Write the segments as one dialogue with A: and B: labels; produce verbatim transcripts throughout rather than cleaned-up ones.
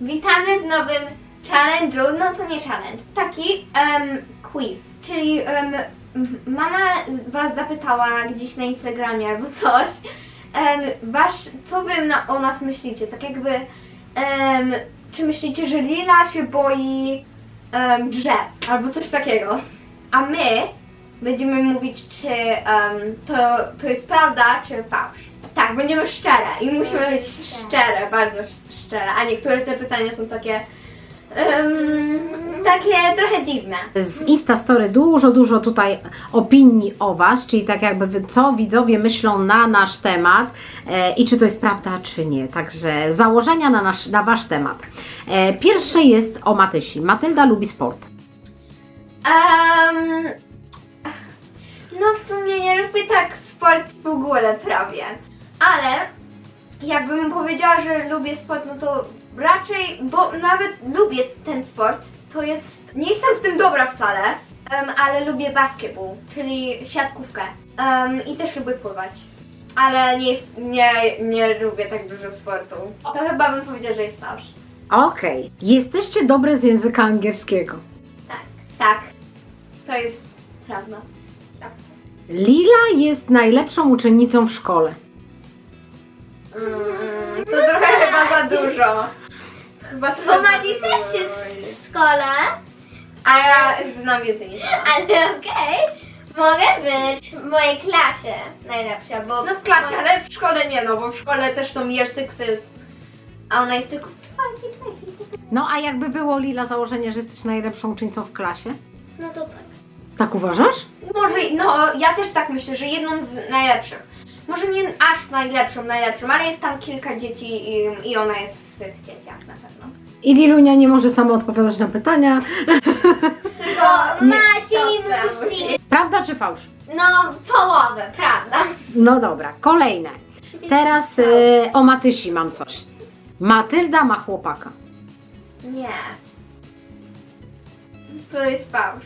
A: Witamy w nowym challenge'u, no to nie challenge, taki um, quiz, czyli um, mama was zapytała gdzieś na Instagramie albo coś, um, wasz, co wy na, o nas myślicie, tak jakby, um, czy myślicie, że Lila się boi um, drzew albo coś takiego, a my będziemy mówić, czy um, to, to jest prawda, czy fałsz. Tak, będziemy szczere i musimy być szczere, bardzo szczere, a niektóre te pytania są takie, um, takie trochę dziwne.
B: Z Instastory dużo, dużo tutaj opinii o Was, czyli tak jakby wy- co widzowie myślą na nasz temat e, i czy to jest prawda, czy nie. Także założenia na, nasz, na Wasz temat. E, pierwsze jest o Matysi. Matylda lubi sport.
A: Um, no w sumie nie lubię tak sport w ogóle prawie, ale jakbym powiedziała, że lubię sport, no to raczej, bo nawet lubię ten sport, to jest, nie jestem w tym dobra wcale, um, ale lubię basketball, czyli siatkówkę um, i też lubię pływać, ale nie, jest, nie, nie lubię tak dużo sportu. To chyba bym powiedziała, że jest fałsz.
B: Okej. Jesteście dobre z języka angielskiego.
A: Tak, tak, to jest prawda. prawda.
B: Lila jest najlepszą uczennicą w szkole.
A: Mm, to trochę chyba za dużo. Chyba trochę
C: Bo
A: za
C: Mati
A: dużo
C: też jest
A: mówić.
C: w szkole,
A: A ja znam więcej niż ona.
C: ale okej, mogę być w mojej klasie najlepsza, bo...
A: No w klasie, ale w szkole nie, no bo w szkole też są year sixes, a ona jest tylko w czwartej klasie.
B: No a jakby było, Lila, założenie, że jesteś najlepszą uczennicą w klasie?
C: No to tak.
B: Tak uważasz?
A: Może, no ja też tak myślę, że jedną z najlepszych. Może nie aż najlepszą, najlepszą, ale jest tam kilka dzieci i, i ona jest w tych dzieciach na pewno.
B: I Lilunia nie może sama odpowiadać na pytania.
A: Tylko
C: Masi
A: to
C: musi...
B: Prawda czy fałsz?
C: No, połowę, prawda?
B: No dobra, kolejne. Teraz y, o Matysi mam coś. Matylda ma chłopaka.
A: Nie. To jest fałsz.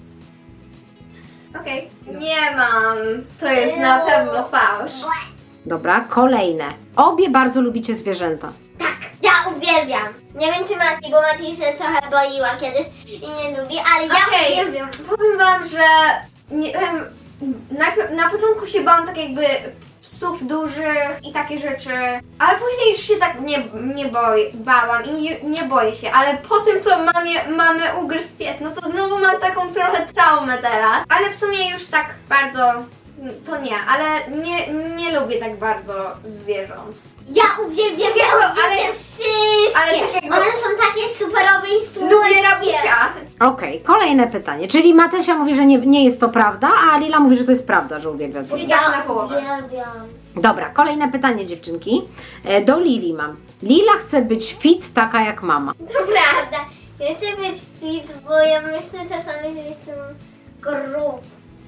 A: Okej. Nie mam. To jest na pewno fałsz.
B: Dobra, kolejne. Obie bardzo lubicie zwierzęta.
C: Tak, ja uwielbiam. Nie wiem czy Mati, bo Mati się trochę boiła kiedyś i nie lubi, ale ja
A: Okej,
C: uwielbiam.
A: powiem wam, że nie, em, najpierw, na początku się bałam tak jakby psów dużych i takie rzeczy, ale później już się tak nie, nie boi, bałam i nie, nie boję się, ale po tym co mamie, mamy ugryzł pies, no to znowu mam taką trochę traumę teraz, ale w sumie już tak bardzo to nie, ale nie, nie lubię tak bardzo zwierząt.
C: Ja uwielbiam, ja
A: ale-
C: uwielbiam wszystkie.
A: ale tak jakby-
C: One są takie superowe i słodkie.
A: Lubię rabusia.
B: Okej, kolejne pytanie. Czyli Matysia mówi, że nie, nie jest to prawda, a Lila mówi, że to jest prawda, że uwielbia zwierzęta.
A: Tak na połowę.
C: uwielbiam.
B: Dobra, kolejne pytanie, dziewczynki. E, do Lili mam. Lila chce być fit, taka jak mama.
C: To prawda. Ja chcę być fit, bo ja myślę czasami, że jestem gruba.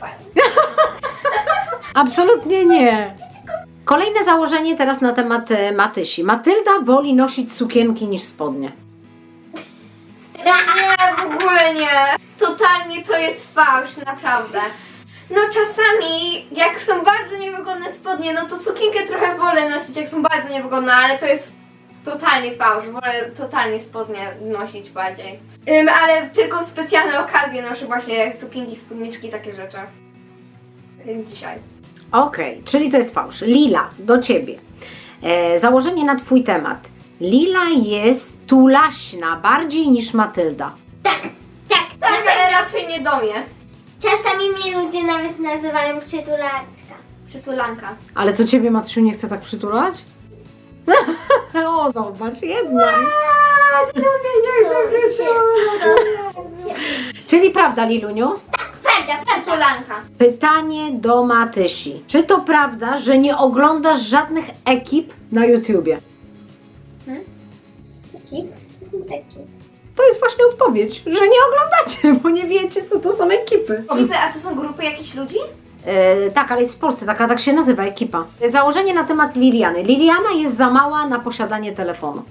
B: Absolutnie nie. Kolejne założenie teraz na temat e, Matysi. Matylda woli nosić sukienki niż spodnie.
A: Nie, w ogóle nie. Totalnie to jest fałsz, naprawdę. No czasami, jak są bardzo niewygodne spodnie, no to sukienkę trochę wolę nosić, jak są bardzo niewygodne, ale to jest totalnie fałsz. Wolę totalnie spodnie nosić bardziej. Ym, ale tylko w specjalne okazje noszę właśnie sukienki, spódniczki, takie rzeczy. Jak dzisiaj.
B: Okej, czyli to jest fałsz. Lila, do ciebie. E, założenie na twój temat. Lila jest tulaśna bardziej niż Matylda.
C: Tak, tak,
A: Tak,
C: tak.
A: ale raczej nie do mnie.
C: Czasami mnie ludzie nawet nazywają przytulaczka.
A: Przytulanka.
B: Ale co ciebie, Matysiu, nie chce tak przytulać? O, zobacz, jednak. Czyli prawda, Liluniu?
C: Prawda, prawda.
A: Przytulanka.
B: Pytanie do Matysi. Czy to prawda, że nie oglądasz żadnych ekip na YouTubie?
C: Taki? To są takie.
B: To jest właśnie odpowiedź, że nie oglądacie, bo nie wiecie, co to są ekipy.
A: Ekipy, a to są grupy jakichś ludzi?
B: E, tak, ale jest w Polsce, taka tak się nazywa ekipa. Założenie na temat Liliany. Liliana jest za mała na posiadanie telefonu.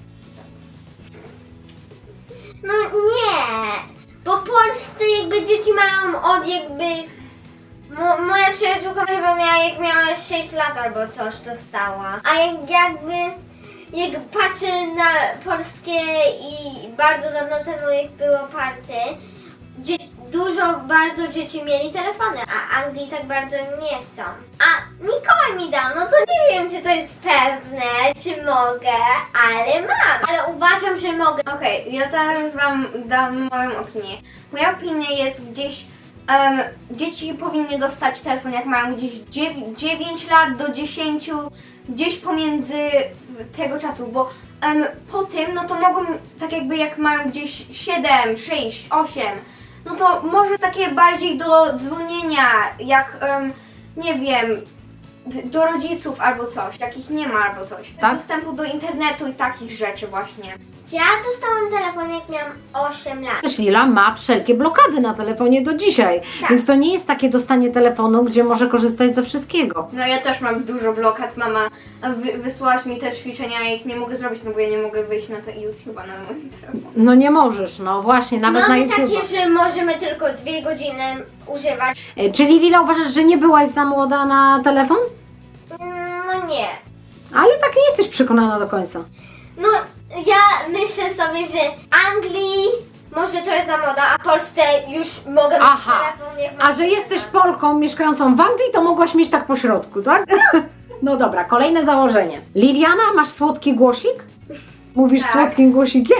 C: No nie, bo polscy jakby dzieci mają od jakby... Mo, moja przyjaciółka chyba miała, jak miała sześć lat albo coś, dostała. A jak jakby jak patrzę na polskie i bardzo dawno temu jak było party, dzieci, dużo bardzo dzieci mieli telefony, a Anglii tak bardzo nie chcą. A Mikołaj mi dał, no to nie wiem czy to jest pewne, czy mogę, ale mam. Ale uważam, że mogę.
A: Okej, ja teraz wam dam moją opinię. Moja opinia jest gdzieś, em, dzieci powinny dostać telefon jak mają gdzieś dziewięć lat do dziesięciu, gdzieś pomiędzy tego czasu, bo em, po tym, no to mogą, tak jakby jak mają gdzieś siedem, sześć, osiem, no to może takie bardziej do dzwonienia, jak, em, nie wiem, d- do rodziców albo coś, takich nie ma albo coś.
B: Tak?
A: Dostępu do internetu i takich rzeczy właśnie.
C: Ja dostałam telefon jak miałam osiem lat.
B: Też Lila ma wszelkie blokady na telefonie do dzisiaj,
C: Tak.
B: więc to nie jest takie dostanie telefonu, gdzie może korzystać ze wszystkiego.
A: No ja też mam dużo blokad, mama wy, wysłałaś mi te ćwiczenia, ja ich nie mogę zrobić, no bo ja nie mogę wyjść na te YouTube'a na moim telefonie.
B: No nie możesz, no właśnie, nawet
C: Mamy
B: na YouTube.
C: takie, że możemy tylko dwie godziny używać.
B: E, Czyli Lila uważasz, że nie byłaś za młoda na telefon?
C: Mm, No nie.
B: Ale tak nie jesteś przekonana do końca.
C: No ja myślę sobie, że Anglii może trochę za moda, a Polsce już mogę mieć
B: Aha.
C: telefon jak mam
B: A że jesteś Polką mieszkającą w Anglii, to mogłaś mieć tak po środku, tak? No dobra, kolejne założenie. Liliana, masz słodki głosik? Mówisz
A: Tak.
B: słodkim głosikiem?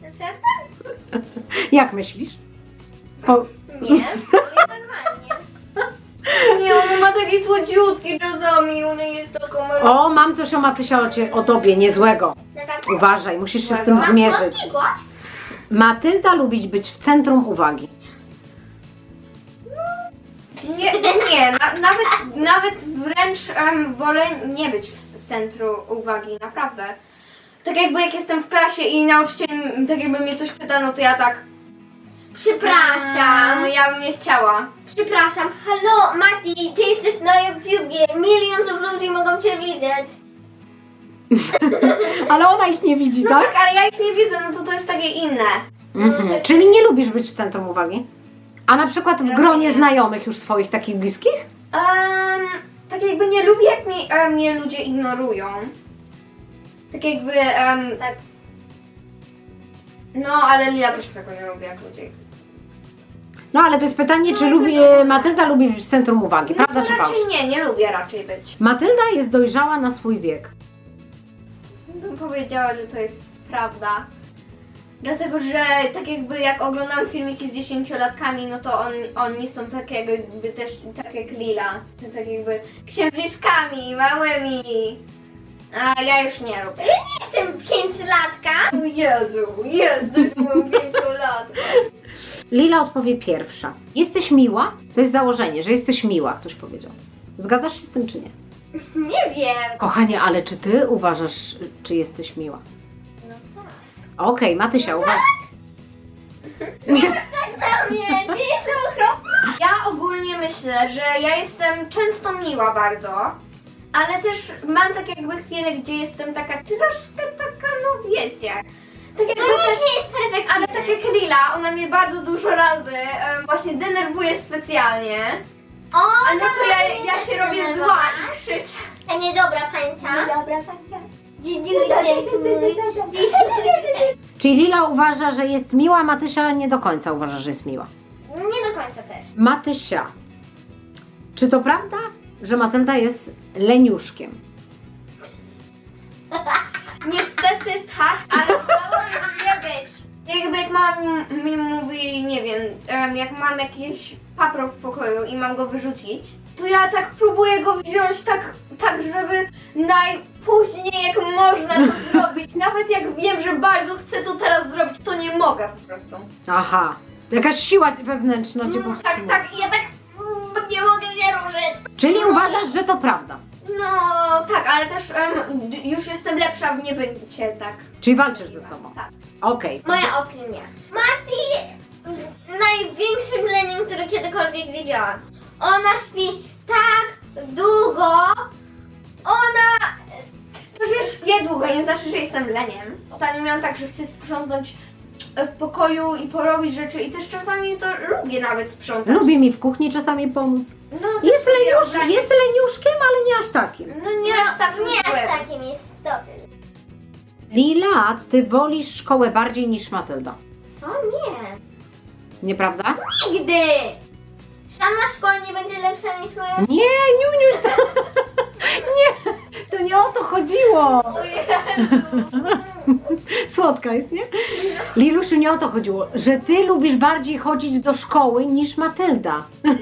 B: Jak myślisz? O,
C: Nie, mówię normalnie.
A: Nie, ona ma taki słodziutki czasami, ona jest taką...
B: o, mam coś o Matysia o, cie, o tobie, niezłego.
C: Na tak.
B: Uważaj, musisz się z
A: Złego?
B: tym
A: Mam
B: zmierzyć.
C: Słodki głos?
B: Matylda lubi być w centrum uwagi.
A: Nie, nie, na, nawet, nawet wręcz em, wolę nie być w centrum uwagi, naprawdę. Tak jakby jak jestem w klasie i nauczyciel tak jakby mnie coś pyta, no to ja tak...
C: Przepraszam.
A: Mm, ja bym nie chciała.
C: Przepraszam. Halo, Mati, ty jesteś na YouTubie. Milionów ludzi mogą cię widzieć.
B: Ale ona ich nie widzi,
A: No
B: tak?
A: tak, ale ja ich nie widzę, no to to jest takie inne.
B: Mhm.
C: No, to-
B: Czyli nie lubisz być w centrum uwagi? A na przykład w gronie znajomych już swoich takich bliskich?
A: Um, tak jakby nie lubię, jak mnie, e, mnie ludzie ignorują. Tak jakby, em,
C: Tak.
A: no ale ja też tego nie lubię, jak ludzie.
B: No ale to jest pytanie,
C: No
B: czy
C: i to
B: lubi,
C: jest-
B: Matylda lubi być w centrum uwagi,
A: No
B: prawda
A: to
B: czy fałsz?
A: raczej nie, nie lubię raczej być.
B: Matylda jest dojrzała na swój wiek.
A: Bym powiedziała, że to jest prawda. Dlatego, że tak jakby jak oglądam filmiki z dziesięciolatkami, no to on, oni są tak jakby też tak jak Lila. Tak jakby księżniczkami, małymi. A ja już nie lubię.
C: Jestem pięciolatka.
A: O Jezu, Jezu, już byłam pięciolatka.
B: Lila odpowie pierwsza. Jesteś miła? To jest założenie, że jesteś miła, ktoś powiedział. Zgadzasz się z tym czy nie?
C: Nie wiem.
B: Kochanie, ale czy ty uważasz, czy jesteś miła?
C: No tak.
B: Okej, Matysia, uwaga.
C: Tak na mnie, gdzie jestem okropna?
A: Ja ogólnie myślę, że ja jestem często miła bardzo, ale też mam tak jakby chwilę, gdzie jestem taka troszkę taka, no wiecie. Tak jakby
C: No nikt
A: też,
C: nie jest perfekcyjny.
A: ale tak jak Lila, ona mnie bardzo dużo razy em, właśnie denerwuje specjalnie.
C: O,
A: A no to
C: dobra,
A: ja,
C: mnie
A: ja
C: też
A: się robię
C: denerwowa.
A: zła i krzyczę.
C: A niedobra pańcia.
A: Dobra, tak,
C: Dzidziusiek mój. Dzidziusiek.
B: Czyli Lila uważa, że jest miła, Matysia nie do końca uważa, że jest miła.
C: Nie do końca też.
B: Matysia, czy to prawda, że Matylda jest leniuszkiem?
A: Niestety tak, ale chciałabym nie być. Jakby jak mama mi, mi mówi, nie wiem, em, jak mam jakiś paprok w pokoju i mam go wyrzucić, to ja tak próbuję go wziąć tak, tak żeby najpóźniej jak można to zrobić. Nawet jak wiem, że bardzo chcę to teraz zrobić, to nie mogę po prostu.
B: Aha, jakaś siła wewnętrzna cię
A: Mm, tak,
B: powstrzymuje.
A: tak, i ja tak mm, nie mogę się ruszyć.
B: Czyli uważasz, że to prawda?
A: No tak, ale też em, d- już jestem lepsza w niebycie, tak.
B: Czyli walczysz ze sobą?
A: Tak.
B: Okej.
C: Moja opinia. Mati największym leniem, który kiedykolwiek widziałam. Ona śpi tak długo. Ona...
A: To, że śpię długo, nie znaczy, że jestem leniem. Ostatnio miałam tak, że chcę sprzątnąć w pokoju i porobić rzeczy i też czasami to lubię nawet sprzątać.
B: Lubi mi w kuchni czasami pomóc.
A: No, to
B: Jest,
A: sobie
B: leniusz,
A: obranie-
B: jest leniuszkiem, ale nie aż takim.
A: No nie aż tak
C: Nie
A: złym.
C: aż takim jest dobry.
B: Lila, ty wolisz szkołę bardziej niż Matylda.
C: Co? Nie.
B: Nieprawda?
C: Nigdy! Żadna szkoła nie będzie lepsza niż moja.
B: Nie, Niuniuś, to... Nie, to nie o to chodziło.
C: O Jezu.
B: Słodka jest, nie? Lilusiu, nie o to chodziło, że ty lubisz bardziej chodzić do szkoły niż Matylda.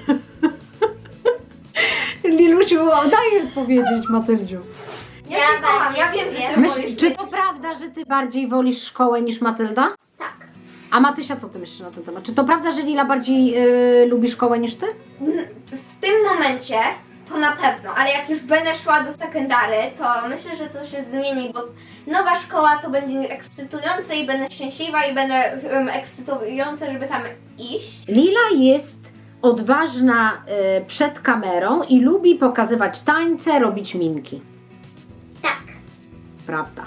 B: Lilusiu, daj odpowiedzieć Matyldziu.
A: Ja,
C: Ja
A: cię kocham,
C: bardziej
A: ja wiem, że ty
C: lubię.
A: wolisz
B: Myśl, czy
A: być-
B: to prawda, że ty bardziej wolisz szkołę niż Matylda?
C: Tak.
B: A Matysia, co ty myślisz na ten temat? Czy to prawda, że Lila bardziej y, lubi szkołę niż ty?
A: W tym momencie to na pewno, ale jak już będę szła do sekundary, to myślę, że to się zmieni, bo nowa szkoła to będzie ekscytujące i będę szczęśliwa i będę um, ekscytujące, żeby tam iść.
B: Lila jest odważna y, przed kamerą i lubi pokazywać tańce, robić minki.
C: Tak.
B: Prawda.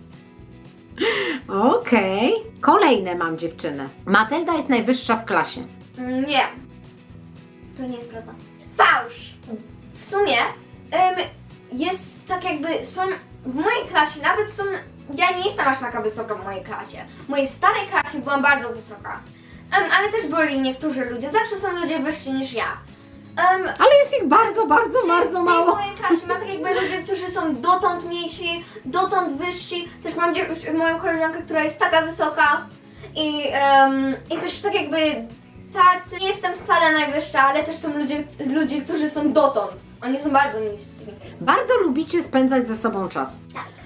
B: Okej. Kolejne mam dziewczyny. Matylda jest najwyższa w klasie.
A: Mm, Nie, to nie jest prawda. Fałsz! W sumie em, jest tak jakby są w mojej klasie, nawet są, ja nie jestem aż taka wysoka w mojej klasie. W mojej starej klasie byłam bardzo wysoka. Em, ale też byli niektórzy ludzie, zawsze są ludzie wyżsi niż ja. Em,
B: Ale jest ich bardzo, bardzo, bardzo
A: w
B: mało.
A: mojej klasie ma tak jakby ludzie, którzy są dotąd mniejsi, dotąd wyżsi. Też mam dziew- moją koleżankę, która jest taka wysoka i, em, i też tak jakby tacy, nie jestem wcale najwyższa, ale też są ludzie, ludzie, którzy są dotąd. Oni są bardzo niscy.
B: Bardzo lubicie spędzać ze sobą czas.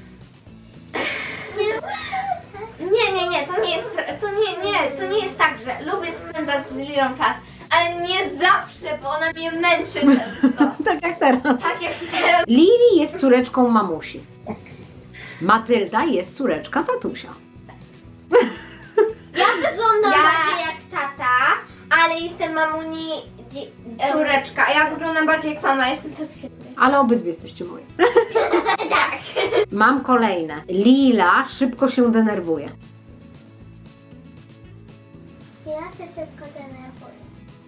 A: Nie, nie, nie, to nie jest, pra- to nie, nie, to nie jest tak, że lubię spędzać z Lilą czas, ale nie zawsze, bo ona mnie męczy często.
B: Tak jak teraz.
A: Tak jak teraz.
B: Lili jest córeczką mamusi. Matylda jest córeczka tatusia.
C: Ja wyglądam
A: Ja-
C: bardziej jak tata, ale jestem mamuni. dzie- em,
A: Córeczka, a ja wyglądam bardziej jak mama, jestem też
B: Ale obydwie jesteście moje.
C: Tak.
B: Mam kolejne. Lila szybko się denerwuje.
C: Ja się szybko denerwuję.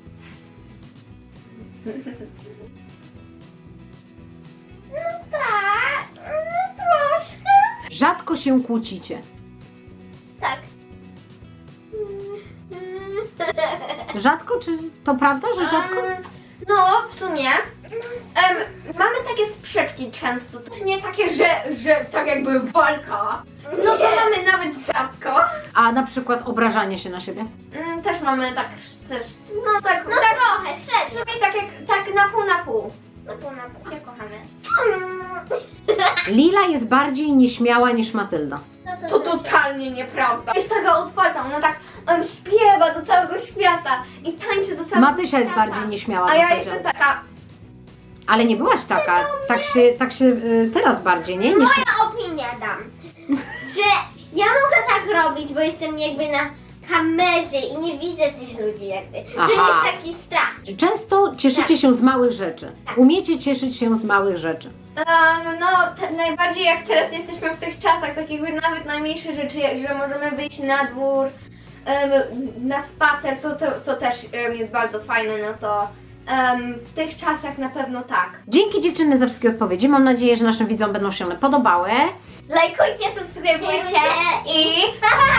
C: No tak, no troszkę.
B: Rzadko się kłócicie.
C: Tak.
B: Rzadko, czy to prawda, że rzadko?
A: Em, No, w sumie em, mamy takie sprzeczki często. To nie takie, że, że tak jakby walka. No to
C: Nie.
A: mamy nawet rzadko.
B: A na przykład obrażanie się na siebie?
A: Mm, Też mamy tak, też, no tak,
C: No
A: tak
C: trochę,
A: w
C: średnio.
A: sumie tak jak, tak na pół na pół.
C: No pół na pół.
A: Się kochamy.
B: Lila jest bardziej nieśmiała niż Matylda.
C: No
A: To
C: znaczy-
A: totalnie nieprawda. Jest taka otwarta, ona tak um, śpiewa do całego świata i tańczy do całego
B: Matysia jest
A: świata.
B: bardziej nieśmiała.
A: A
B: bym
A: ja
B: powiedziała.
A: jestem taka,
B: Ale nie byłaś taka. Tak się, tak się y, teraz bardziej, nie? Niż...
C: Moja opinia dam, że ja mogę tak robić, bo jestem jakby na kamerze i nie widzę tych ludzi jakby. To
B: Aha.
C: jest taki strach.
B: Często cieszycie się z małych rzeczy. Umiecie cieszyć się z małych rzeczy.
A: um, no te, najbardziej jak teraz jesteśmy w tych czasach, tak jakby nawet najmniejsze rzeczy, że możemy wyjść na dwór, um, na spacer, to, to, to też um, jest bardzo fajne, no to um, w tych czasach na pewno tak.
B: Dzięki dziewczyny za wszystkie odpowiedzi. Mam nadzieję, że naszym widzom będą się one podobały.
A: Lajkujcie, subskrybujcie i
C: Pa, pa!